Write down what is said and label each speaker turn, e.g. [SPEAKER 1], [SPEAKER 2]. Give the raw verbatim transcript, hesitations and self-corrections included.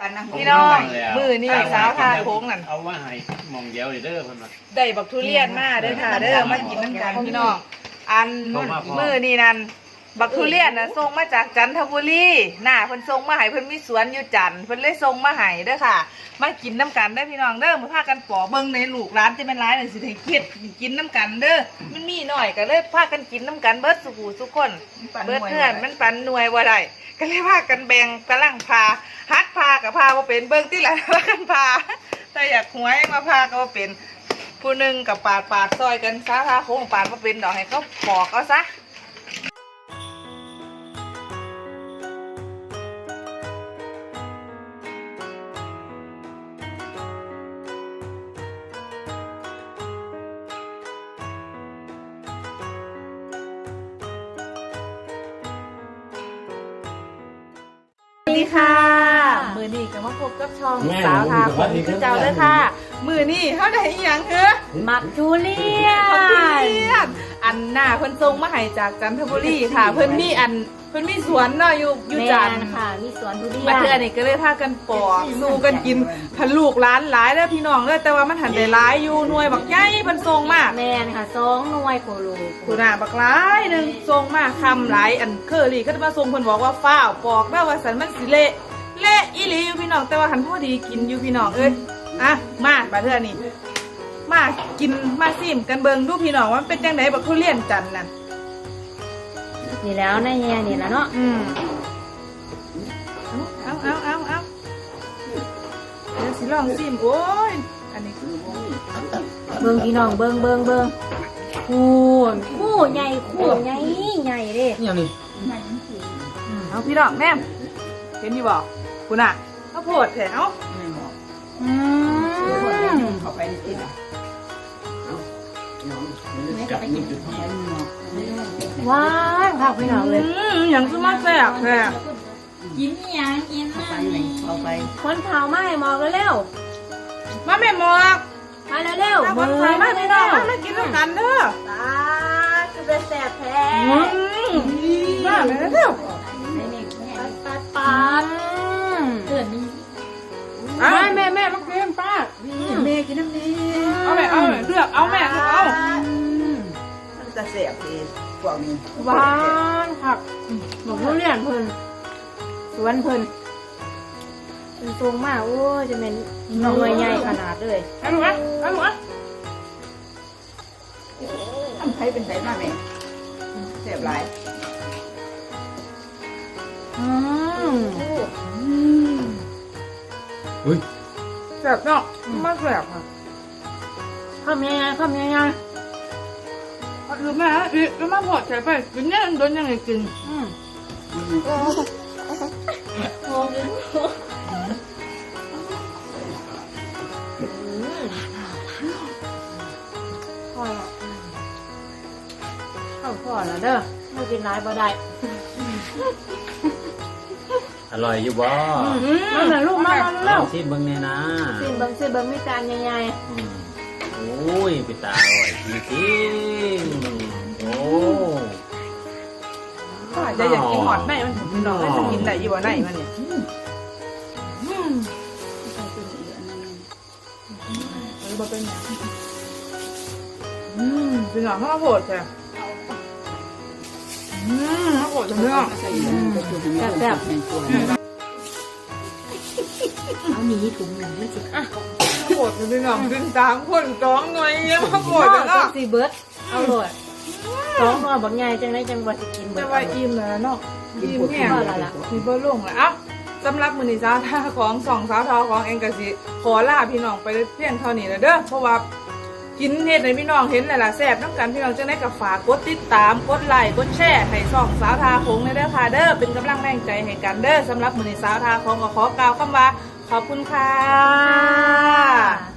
[SPEAKER 1] พี่น้องมือนี่สาวทาโค้งนั่น
[SPEAKER 2] เอาว่าให้มองเดียวเด้อเพิ่นว่า
[SPEAKER 1] ได้บักทุเรียนมาเด้อค่ะเด้อมากินน้ำกันพี่น้องอันมือนี่นั่นบักทุเรียนน่ะส่งมาจากจันทบุรีหน้าเพิ่นส่งมาให้เพิ่นมีสวนอยู่จันทร์เพิ่นเลยส่งมาให้เด้อค่ะมากินน้ำกันเด้อพี่น้องเด้อมาพากันปอกเบิ่งในลูกร้านจะเป็นร้านนั่นสิให้เฮ็ดกินน้ำกันเด้อมันมีหน่อยก็เลยพากันกินน้ำกันเบิดสุกูทุกคนเบิดเพื่อนมันปันหน่วยบ่ได้ก็เลยพากันแบ่งกำลังพาฮัดพากับพาบ่เป็นเบิ่งที่หลังพากันพาแต่อยากหวยมาพาก็บ่เป็นผู้หนึ่งกับปาดปาดซอยกันซะพาโค้งปาดบ่เป็นดอกให้เขาปอกเอาซะสวัสดีค่ะมือนี่ก็มาพบกับช่องสาวทาผมคือเจ้าเลยค่ะมือนี่เขาได้อีหยังเหรอ
[SPEAKER 3] มักทุเรียน
[SPEAKER 1] มักทุเรียนอันหน้าเพิ่นส่งมาให้จากจันทบุรีค่ะ เพิ่นมีอันเพิ่นมีสวนเนาะอยู่อยู่จันทร์
[SPEAKER 3] ค่ะมีสวนทุเรียน
[SPEAKER 1] มาเทื่อนี่ก็เลยพากันปอกสู้กันกินพันลูกร้านหลายแล้วพี่น้องเลยแต่ว่ามันหันได้หลายอยู่หน่วยบักใหญ่เพิ่นส่งมา
[SPEAKER 3] แมนค่ะสองหน่วยโคโล
[SPEAKER 1] คุณน่ะบักหลายหนึงส่งมาคำหลายอันเคอรี่ก็จะมาส่งเพิ่นบอกว่าฟ้าวปอกแล้วว่าสันมันสิเละเละอีหลีอยู่พี่น้องแต่ว่าหันพอดีกินอยู่พี่น้องเอ้ยอ่ะมาบัดเทื่อนี่มากินมาซิมกันเบิ่งดูพี่น้องว่ามันเป็นจังไดบักทุเรียนจันทร์นั่น
[SPEAKER 3] นี่แล้วนะเฮียนี่แล้วเนาะ
[SPEAKER 1] อืมเอาเอาเอาเอาเดี๋ยวสิลองซิมโอ้ยอันนี้คือ
[SPEAKER 3] เบิ่งพี่น้องเบิ่งเบิ่งเบิ่งคูนคู่ใหญ่คู่ใหญ่ใหญ่เด้
[SPEAKER 2] นี่นี่
[SPEAKER 1] เอาพี่น้องแม่เห็นอยู่บ่คุณอ่ะข้าวโพดแถวอืม
[SPEAKER 4] เข้าไปนี่ล่ะ
[SPEAKER 2] จับมือจุดที่
[SPEAKER 3] ว้าวค่ะพี่น้องเลย
[SPEAKER 1] อืมอย่างสมาแซ่บแท้
[SPEAKER 3] กินยังกิน
[SPEAKER 4] ไปไหนเข้าไป
[SPEAKER 3] คนเผาไหม้หมอกเร็ว
[SPEAKER 1] มาแม่หมอก
[SPEAKER 3] ๆมาเร็ว
[SPEAKER 1] มา
[SPEAKER 3] ๆ
[SPEAKER 1] คนไทยมาพี่น้องมามากินด้วยกันเด้อ
[SPEAKER 3] ตาคือเป็นแสบแท้
[SPEAKER 1] อืมมาแม่เด้อ
[SPEAKER 3] ปัดปัดเกิดมี
[SPEAKER 1] เอาแม่แม่มากินป้า
[SPEAKER 4] แม่กินน้ำนี้
[SPEAKER 1] เอาแม่เอาแม่เลือกเอาแม่เอา
[SPEAKER 4] มันจะเสียบเองพวกนี้
[SPEAKER 3] หวานค่ะหมกทุเรียนเพิ่นสวนเพิ่นเป็นทรงมากโอ้ยจะเป็นหน่วยใหญ่ขนาดเลย
[SPEAKER 1] เอาลูกอ่ะเอาลูกอ่ะ
[SPEAKER 4] ทำไทยเป็นไทยมาแม่เสียบหลาย
[SPEAKER 3] อืม
[SPEAKER 2] อุ้ย
[SPEAKER 1] แซ่บเนาะมาแซ่บค่ะ
[SPEAKER 3] ทำยังไงทำยังไง
[SPEAKER 1] หรือแม่อีกก็มาพอดใส่ไปกินเนี่ยโดนยังไงกิน
[SPEAKER 3] อืมโอ้ยพอแล้วเข้าพอแล้วเด้อไม่กินร้ายบ่ได้
[SPEAKER 2] อร่อยอยู่บ่
[SPEAKER 3] มาหน่อยลูกมามา
[SPEAKER 2] ล
[SPEAKER 3] เร็
[SPEAKER 2] อ
[SPEAKER 3] ว
[SPEAKER 2] งชิมเบิ่งแน่นะ
[SPEAKER 3] สิเบิ้งสิเบิ้งมีจานใหญ่
[SPEAKER 2] อืมโอ้ยไปตาอร่อยจริงๆโอ้
[SPEAKER 1] จะอยากกินหอดไหนมันพี่น้องให้กินไหนอยู่บ่ไหนมันเนี่ยอืมเออบ่เป็นหยังอืมพี่น้องข้าวโพดแท้อืมข้าวโพดจังเนาะ
[SPEAKER 4] ใส่เงินก็คือแม่แซ่บแม่ตัว
[SPEAKER 3] เอาหนีถุงหนึ่งไม่สิอ่ะ
[SPEAKER 1] ข้าวโพดพี่น้องกินสามคนสองหน่อยยังข้าวโพด
[SPEAKER 3] จั
[SPEAKER 1] เนาะ
[SPEAKER 3] งสิเบิร์ดเอาเลยสองหน่อบักใหญ่จังได้จังว่าสิกินเบิ
[SPEAKER 1] จะ
[SPEAKER 3] ร์ด
[SPEAKER 1] ว่าอิ่มแล้วเนาะอิ่มแห้ง
[SPEAKER 3] พอแล้วล่ะ
[SPEAKER 1] มีเบอร์ลงแล้วอ่ะสำหรับมือนิสาทาของสองสาวทอของเองกะสิขอลาพี่น้องไปเพียงเท่านี้แล้วเด้อเพราะว่ากินเฮ็ดในพี่น้องเห็นแล้วล่ะแซ่บน้ำกันพี่น้องจังได้กับฝากกดติดตามกดไลค์กดแชร์ให้สองสาวทาของในเด้อค่ะเด้อเป็นกำลังแรงใจให้กันเด้อสำหรับมือนิสาทาของก็ขอกล่าวคำว่าขอบคุณค่ะ